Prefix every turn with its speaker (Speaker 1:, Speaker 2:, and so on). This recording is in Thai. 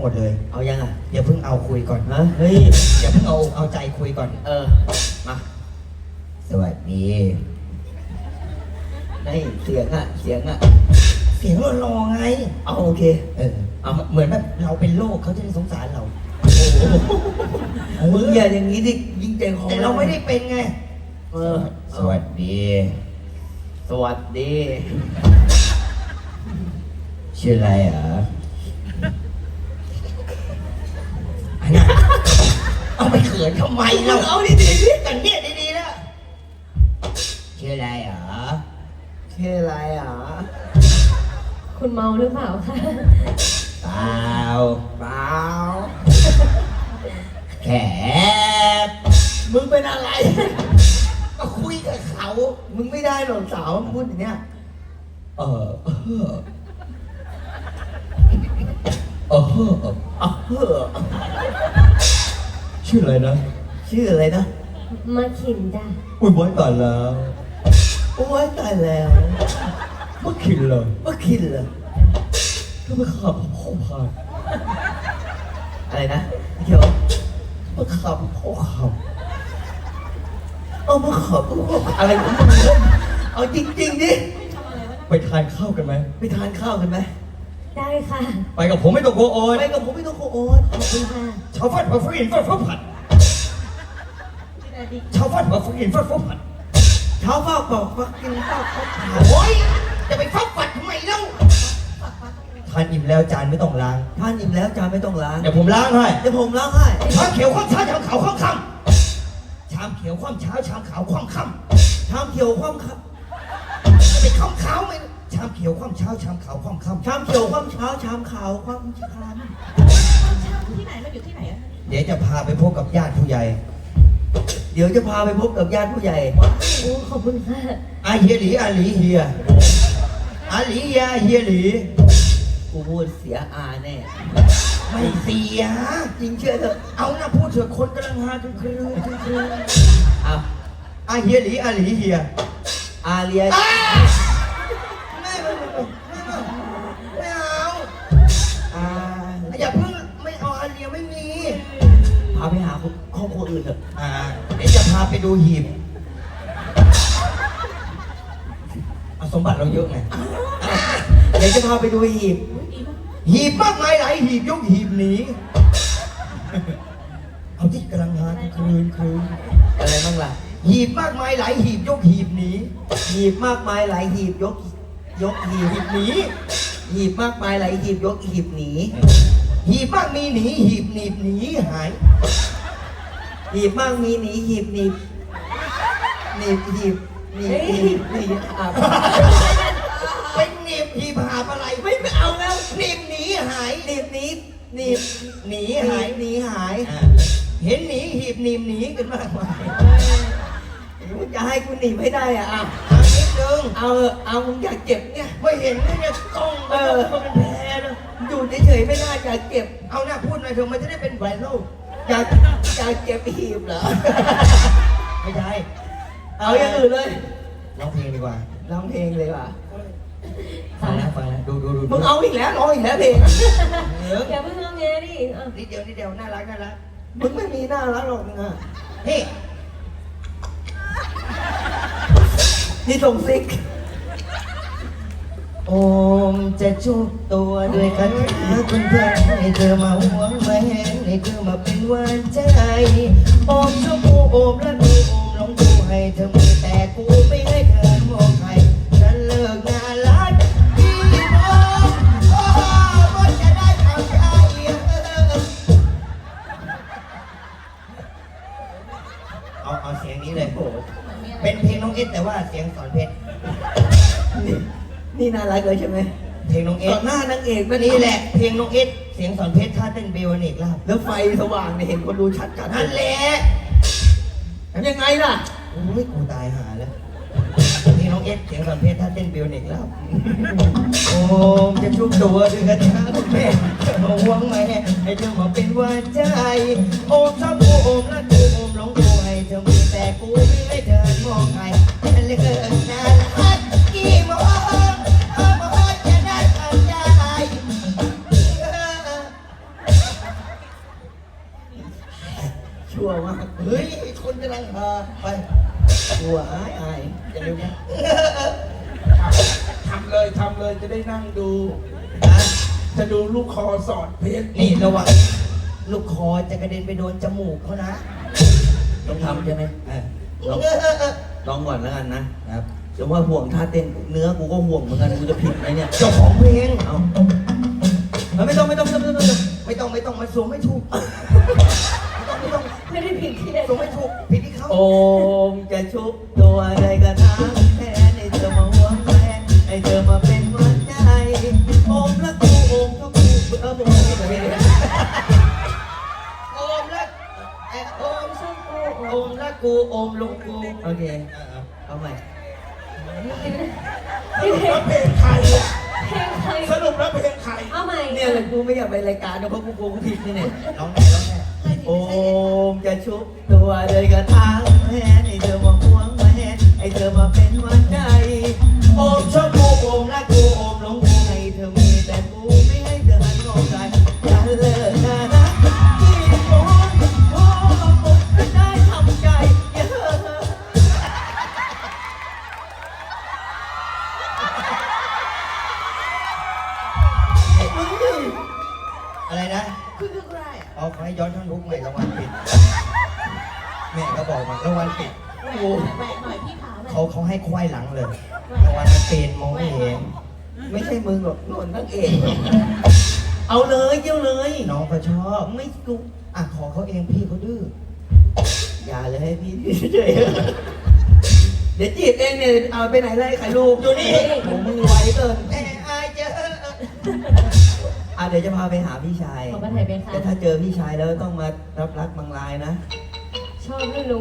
Speaker 1: หมดเลย
Speaker 2: เอายังอ่ะ
Speaker 1: อย่าเพิ่งเอาคุยก่อน
Speaker 2: ฮะเฮ้ย
Speaker 1: อย่าเพิ่งเอาใจคุยก่อน
Speaker 2: มา
Speaker 1: สวัสดี
Speaker 2: นี่เสียงอ่ะ
Speaker 1: เสียงรอไง
Speaker 2: เอาโอเค
Speaker 1: เอาเหมือนแบบเราเป็นโรคเขาจะได้สงสารเรา
Speaker 2: มึงอย่าอย่างนี้ดิยิงใจคอ
Speaker 1: แต่เราไม่ได้เป็นไงสวัสดีชื่ออะไรอ่ะเอาไปเขินทำไมเราเอาดีๆกันเนี่ยดีๆนะชื่ออะไรอ่ะ
Speaker 3: คุณเมาหรือเปล่าคะ
Speaker 1: เปล่าแขก
Speaker 2: มึงเป็นอะไร
Speaker 1: ก็คุยกับเขา
Speaker 2: มึงไม่ได้หรอกสาวพูดอย่างเนี้ย
Speaker 1: ชื่ออะไรนะ
Speaker 3: มาขินจ้ะ
Speaker 1: อุ้ยไว้ตายแล้ว มาขินเลยก็มาขับพ่อพาน
Speaker 2: อะไรนะเดี๋ยว
Speaker 1: มาขับพ่อขับ
Speaker 2: มาขับอะไรของมึงเอาจริงๆดิ
Speaker 1: ไปทานข้าวกันไหม
Speaker 3: ได้ค่ะ
Speaker 1: ไปกับผมไม่ต้องโกโอน
Speaker 2: ขอบคุณค่ะ
Speaker 1: ชาวฟัดมาฟื้นฟัดผัดชาวฟัดมาฟื้นฟัดผัด
Speaker 2: เช้าฟ้าบอกฟักกินฟ้าเขาผ่า
Speaker 1: โอ้ยจะไปฟักผัดทำไมเล่าทานอิ่มแล้วจานไม่ต้องล้าง
Speaker 2: เดี๋
Speaker 1: ยวผมล้างให้ชามเขียวคว่ำเช้าชามขาวคว่ำค่ำชามเขียวคว่ำเช้าชามขาวคว่ำค่ำ
Speaker 2: ชามเขียวคว่ำครับ
Speaker 1: จะไปคว่ำขาวไหมชามเขียวคว่ำเช้าชามขาวคว่ำค่ำ
Speaker 2: ชามเขียวคว่ำเช้าชามขาวคว่ำค่
Speaker 3: ำที่ไหนมันอยู่ที่ไหนอะ
Speaker 1: เดี๋ยวจะพาไปพบกับญาติผู้ใหญ่
Speaker 2: โอ้ขอบคุณค่ะ
Speaker 1: อาเฮียหลีอาหลีเฮียอาหลียาเฮียหลี
Speaker 2: กูพูดเสียอาแน่
Speaker 1: ไม่เสีย
Speaker 2: จริงเชื่อเถอะ
Speaker 1: เอาหน้าพูดเถอะคนกำลังฮาคืออาเฮียหลีอาหลีเฮีย
Speaker 2: อาเลีย
Speaker 1: ไม่เอาอย่าเพิ่งไม่เอาอาเลียไม่มี
Speaker 2: พาไปหาครอบครัวอื่นเถอะ
Speaker 1: เดี๋ยวจะพาไปดูหีบสมบัติเราเยอะไง
Speaker 2: เดี๋ยวจะพาไปดู
Speaker 1: หีบมากมายหลายหีบยกหีบหนีเอาที่กำลังหาคืน
Speaker 2: อะไรบ้างล่ะ
Speaker 1: หีบมากมายหลายหีบยกหีบหนี
Speaker 2: หีบมากมายหลายหีบยกหีบหนีหีบมากมายหลายหีบยกหีบหนี
Speaker 1: หีบมากมีหนีหีบหนีบหนีหาย
Speaker 2: หีบมากมีหนีหีบหนีบหีบ
Speaker 1: เป็นหนีบหีบหาอะไร
Speaker 2: ไม่เอาแล้ว
Speaker 1: หนีบหนีหาย
Speaker 2: หนีบหนีหาย
Speaker 1: เห็นหนีหีบหนีบหนีกันมากมาย
Speaker 2: จะให้กูหนีไม่ได้อ่ะ
Speaker 1: นิดนึง
Speaker 2: เอามึงอยากเจ็บเนี่ย
Speaker 1: ไม่เห็นเนี่ยกล้องมันเป็นแผลนะ
Speaker 2: อยู่เฉยๆไม่ได้อยากเจ็บ
Speaker 1: เอาหน้าพูดหน่อยเถอะมันจะได้เป็นไวรัล
Speaker 2: อยากเจ็บหีบเหรอ
Speaker 1: ไม่ใช่
Speaker 2: เอาอย่างอื่นเลย
Speaker 1: ร้องเพลงดีกว่าฟังนะดู
Speaker 2: มึงเอาอีกแล้วร้องอีกแล้วเพลง
Speaker 3: อย่าเพิ่งร้องไงดิ
Speaker 1: นิดเดียวน่ารัก
Speaker 2: มึงไม่มีน่ารักหรอกมึงอ่ะนี่ส่งซิก
Speaker 1: โอมจะจุบตัวด้วยกันเพื่อนให้เธอมาหวงมาแหงให้เธอมาเป็นหวานใจโอมชมพูโอมและดูโอมลองดูให้เธอมีแต่กูไม่ให้เธอมองใครฉันเลิกงานรักพี่โอมก็จะได้ทำใจเอาเสียงนี้เลยเป็นเพลงน้องเอสแต่ว่าเสียงสอนเพชร
Speaker 2: นี่น่ารักเลยใช่ไหม
Speaker 1: เพลงน้องเอส
Speaker 2: หน้านางเอก
Speaker 1: นี่แหละเพลงน้องเอสเสียงสอนเพชรท่าเต้นเบลเนกลาบ
Speaker 2: แล้วไฟสว่างเนี่ยเห็นคนดูชัดกัน
Speaker 1: นั่นแหละ
Speaker 2: ยังไงล่ะ
Speaker 1: โอ้ยกูตายหาแล้วเพลงน้องเอสเสียงสอนเพชรท่าเต้นเบลเนกลาบโอ้จะชุบตัวด้วยกันนะคุณแม่มาหวงไหมให้เธอมาเป็นหวานใจโอมชอบกูโอมและกูโอมหลงกูให้เธอมีแต่กูไม่ให้เธอมองใครฉันเลยเกินนานละกี่โมงจะได้ทำใจ
Speaker 2: ชั่วมาก
Speaker 1: เฮ้ยคนกำลังหาไป
Speaker 2: ชั่วอายอย่าเร็วนะ
Speaker 4: ทำเลยจะได้นั่งดู
Speaker 1: นะ
Speaker 4: จะดูลูกคอสอดเพชร
Speaker 1: นี่ระวังลูกคอจะกระเด็นไปโดนจมูกเขานะ
Speaker 2: ต้องทำใช่ไหม
Speaker 1: เออ
Speaker 2: ลองก่อนแล้วกันนะครับจะว่าห่วงท่าเต้นเนื้อกูก็ห่วงเหมือนกันกูจะผิดไหมเนี่ย
Speaker 1: เจ้าของเพลง
Speaker 2: เอาไม่ต้อง
Speaker 1: ไม่ต้องมาสวมไม่ถูกไม่ต้อง
Speaker 3: ไม่ได้ผิดที่
Speaker 1: สวมไม่ถูกผิดที่เขา
Speaker 2: โอมจะชุบตัวใดก็ทางแทนให้เธอมาห่วงแฟนให้เธอมาเป็นหวันใจโอมละกูโอมก็กูมึงไม่ได้ไม่ได้
Speaker 1: โอมรักโอมชอบกูโอมรักกูโอมลงกู
Speaker 2: โอเคเอาใหม่
Speaker 4: สรุปแล้วเพลงใครอะ
Speaker 3: เพลงใคร
Speaker 4: สรุปแล้วเพลงใคร
Speaker 3: เอาใหม่
Speaker 2: เนี่ยแหละกูไม่อยากไปรายการนะเพราะกูผิดนี่เนี่ย
Speaker 1: ร้องแน่ร้องแน่
Speaker 2: โอมจะชุบตัวเลยกระทางแทนให้เธอมาห่วงแฟนให้เธอมาเป็นหวันใจโอมชอบกูโอมรักกูโอมหลงกูให้เธอมีแต่กูไม่ให้เธอหันมองใจอย่าเลิกนะนะที่โอมโอ้ผมจะได้ทำใจอย่าเลิก
Speaker 1: อะไรนะ
Speaker 3: คืออะไร
Speaker 1: เอาขอให้ย้อนท่อนทุกใหม่รางวัลปิดแม่ก็บอกมารางวัลปิดโอ้โห
Speaker 3: แหวกหน่อยพี่ขาแหวก
Speaker 1: เขาให้ควายหลังเลยรางวัลมันเป็นมองไม่เห็น
Speaker 2: ไม่ใช่มึงหรอกนนทั้งเอกเอาเลยเยี่ยวเลย
Speaker 1: น้องเขาชอบ
Speaker 2: ไม่กู
Speaker 1: อ่ะขอเขาเองพี่เขาดื้อ
Speaker 2: อย่าเลยให้พี่เฉยๆเดี๋ยวจีบเองเนี่ยเอาไปไหนเลยไข่ลูกอยู่นี่ผมมึงไวเกิน
Speaker 1: แม่อายเจอ
Speaker 2: เดี๋ยวจะพาไปหาพี่ชาย
Speaker 3: ขอมาถ่ายเป็นค่ะ
Speaker 2: แต่ถ้าเจอพี่ชายแล้วต้องมารับรักบางรายนะ
Speaker 3: ชอบให้รู้